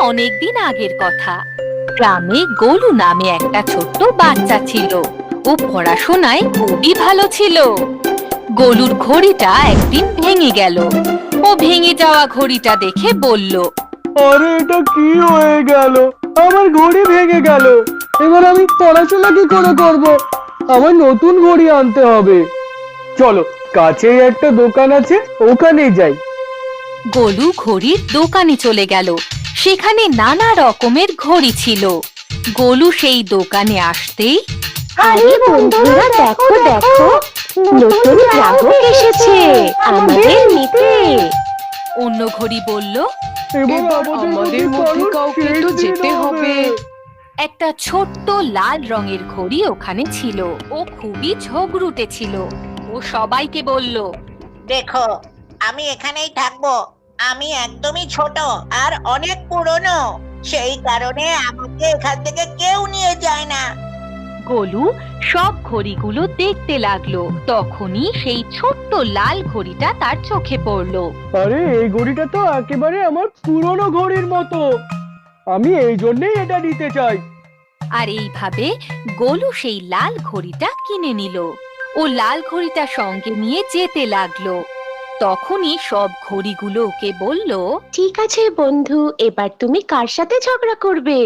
অনেকদিন আগের কথা। গ্রামে গোলু নামে একটা ছোট্ট বাচ্চা ছিল। ও পড়াশোনায় খুবই ভালো ছিল। গোলুর ঘড়িটা একদিন ভেঙে গেল। ও ভেঙে যাওয়া ঘড়িটা দেখে বলল, আরে এটা কি হয়ে গেল? আমার ঘড়ি ভেঙে গেল। এবার আমি পড়াশোনা কি করে করব? আমার নতুন ঘড়ি আনতে হবে। চলো, কাছেই একটা দোকান আছে, ওখানেই যাই। গোলু ঘড়ির দোকানে চলে গেল। সেখানে নানা রকমের ঘড়ি ছিল। গোলু সেই দোকানে আসতেই, আরে বন্ধুরা, দেখো দেখো, নতুন গ্রাহক এসেছে আমাদের নিতে। অন্য ঘড়ি বলল, এবার আমাদের মধ্যে কাউকে তো যেতে হবে। একটা ছোট্ট লাল রঙের ঘড়ি ওখানে ছিল। ও খুবই ঝগড়ুটে ছিল। ও সবাইকে বলল, দেখো, আমি এখানেই থাকবো। আমি একদমই ছোট আর অনেক পুরনো, সেই কারণে আমাকে এখান থেকে কেউ নিয়ে যায় না। গোলু সব ঘড়িগুলো দেখতে লাগলো। তখনই সেই ছোট্ট লাল ঘড়িটা তার চোখে পড়লো। আরে এই ঘড়িটা তো একেবারে আমার পুরনো ঘড়ির মতো। আমি এই জন্যই এটা নিতে চাই। আর এইভাবে গোলু সেই লাল ঘড়িটা কিনে নিল। ও লাল ঘড়িটা সঙ্গে নিয়ে যেতে লাগলো। তখনই সব ঘড়িগুলো ওকে বলল, ঠিক আছে বন্ধু, এবার তুমি কার সাথে ঝগড়া করবে?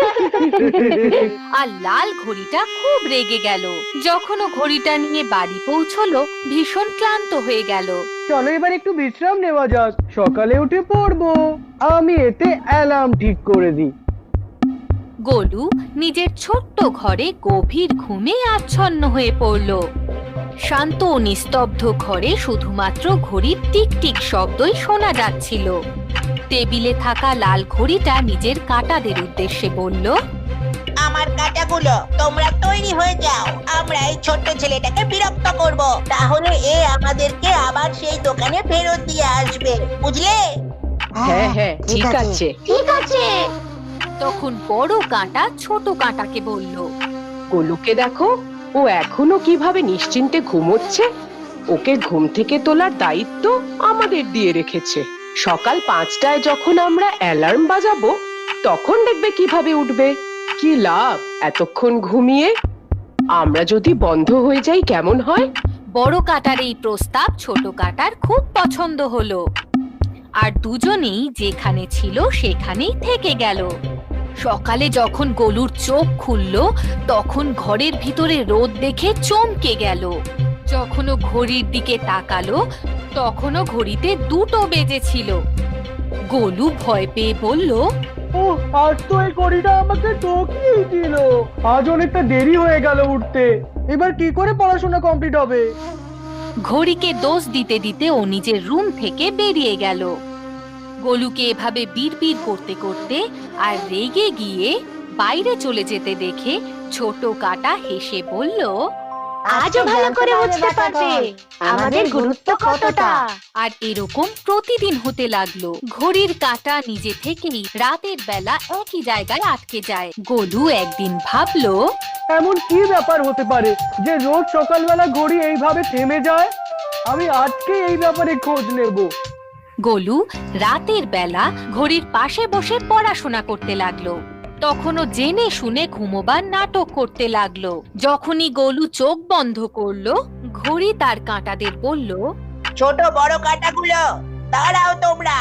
আর লাল ঘড়িটা খুব রেগে গেল। যখন ও ঘড়িটা নিয়ে বাড়ি পৌঁছলো, ভীষণ ক্লান্ত হয়ে গেল। চলো এবার একটু বিশ্রাম নেওয়া যাক, সকালে উঠে পড়বো। আমি এতে অ্যালার্ম ঠিক করে দিই। গোলু নিজের ছোট্ট ঘরে গভীর ঘুমে আচ্ছন্ন হয়ে পড়ল। শান্ত ও নিস্তব্ধ ঘরে শুধুমাত্র ঘড়ির টিকটিক শব্দই শোনা যাচ্ছিল। টেবিলে থাকা লাল ঘড়িটা নিজের কাঁটাদের উদ্দেশ্যে বলল, আমার কাঁটাগুলো, তোমরা তৈরি হয়ে যাও। আমরা এই ছোট্ট ছেলেটাকে বিরক্ত করব, তাহলে এ আমাদেরকে আবার সেই দোকানে ফেরত দিয়ে আসবে, বুঝলে? হ্যাঁ হ্যাঁ, ঠিক আছে। ঠিক আছে। তখন বড় কাঁটা ছোট কাঁটাকে বলল, গোলুকে দেখো, ও এখনো কিভাবে নিশ্চিন্তে ঘুমোচ্ছে। ওকে ঘুম থেকে তোলার দায়িত্ব আমাদের দিয়ে রেখেছে। সকাল 5টায় যখন আমরা অ্যালার্ম বাজাবো, তখন দেখবে কিভাবে উঠবে। কি লাভ এতক্ষণ ঘুমিয়ে? আমরা যদি বন্ধ হয়ে যাই কেমন হয়? বড় কাঁটার এই প্রস্তাব ছোট কাঁটার খুব পছন্দ হলো। আর দুজনেই যেখানে ছিল সেখানেই থেকে গেল। সকালে যখন গোলুর চোখ খুলল, তখন ঘরের ভিতরে রোদ দেখে চমকে গেল। যখন ও ঘড়ির দিকে তাকালো, তখনও ঘড়িতে 2টো বেজেছিল। গোলু ভয় পেয়ে বলল, ও, আজ তো এই ঘড়িটা আমাকে ঠকিয়েই দিল। আজ অনেকটা দেরি হয়ে গেল উঠতে। এবার কি করে পড়াশোনা কমপ্লিট হবে? ঘড়িকে দোষ দিতে দিতে ও নিজের রুম থেকে বেরিয়ে গেল। গোলুকে এভাবে বিড়বিড় করতে করতে আর রেগে গিয়ে বাইরে চলে যেতে দেখে ছোট কাঁটা হেসে বলল, আজও ভালো করে বুঝতে পারবে আমাদের গুরুত্ব কতটা। আর এরকম প্রতিদিন হতে লাগলো। ঘড়ির কাঁটা নিজে থেকেই রাতের বেলা একই জায়গায় আটকে যায়। গোলু একদিন ভাবলো, এমন কি ব্যাপার হতে পারে যে রোজ সকালবেলা ঘড়ি এইভাবে থেমে যায়? আমি আজকে এই ব্যাপারে খোঁজ নেব। গোলু রাতের বেলা ঘড়ির পাশে বসে পড়াশোনা করতে লাগলো। তখনও জেনে শুনে ঘুমোবার নাটক করতে লাগলো। যখনই গোলু চোখ বন্ধ করলো, ঘড়ি তার কাঁটাদের বলল, ছোট বড় কাঁটাগুলো, দাঁড়াও তোমরা।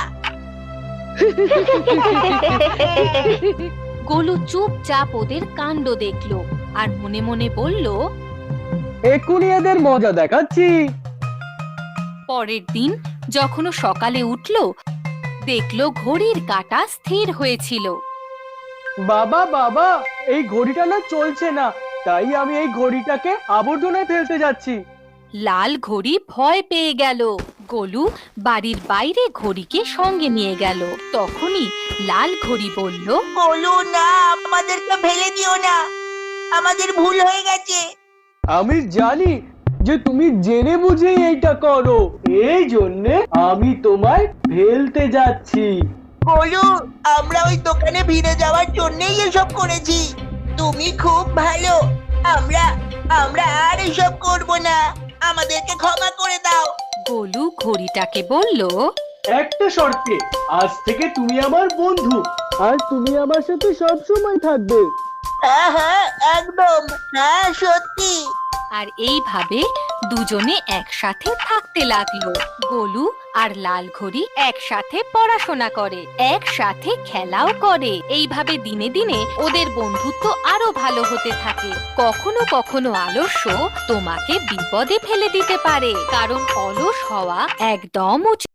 গোলু চুপচাপ ওদের কাণ্ড দেখলো আর মনে মনে বলল, এক্ষুনি এদের মজা দেখাচ্ছি। পরের দিন যখন ও সকালে উঠলো, দেখলো ঘড়ির কাঁটা স্থির হয়েছিল। বাবা বাবা, এই ঘড়িটা না চলছে না, তাই আমি এই ঘড়িটাকে আবর্জনায় ফেলতে যাচ্ছি। লাল ঘড়ি ভয় পেয়ে গেল। গোলু বাড়ির বাইরে ঘড়িকে সঙ্গে নিয়ে গেল। তখনই লাল ঘড়ি বলল, বলো না, আমাদেরকে ফেলে দিও না, আমাদের ভুল হয়ে গেছে। আমি জানি যে তুমি জেনে বুঝে এইটা করো, এই জন্যে আমি তোমায় ফেলতে যাচ্ছি। বলো, আমরা ওই দোকানে ভিড়ে যাওয়ার জন্যই এসব করেছি। তুমি খুব ভালো। আমরা আমরা আর এসব করব না, আমাদেরকে ক্ষমা করে দাও। গোলু ঘড়িটাকে বলল, একটা শর্তে, আজ থেকে তুমি আমার বন্ধু, আর তুমি আমার সাথে সব সময় থাকবে। হ্যাঁ হ্যাঁ একদম, হ্যাঁ সত্যি। আর এইভাবে দুজনে একসাথে থাকতে লাগলো। গোলু আর লাল ঘড়ি একসাথে পড়াশোনা করে, একসাথে খেলাও করে। এইভাবে দিনে দিনে ওদের বন্ধুত্ব আরো ভালো হতে থাকে। কখনো কখনো আলস্য তোমাকে বিপদে ফেলে দিতে পারে, কারণ অলস হওয়া একদম উচিত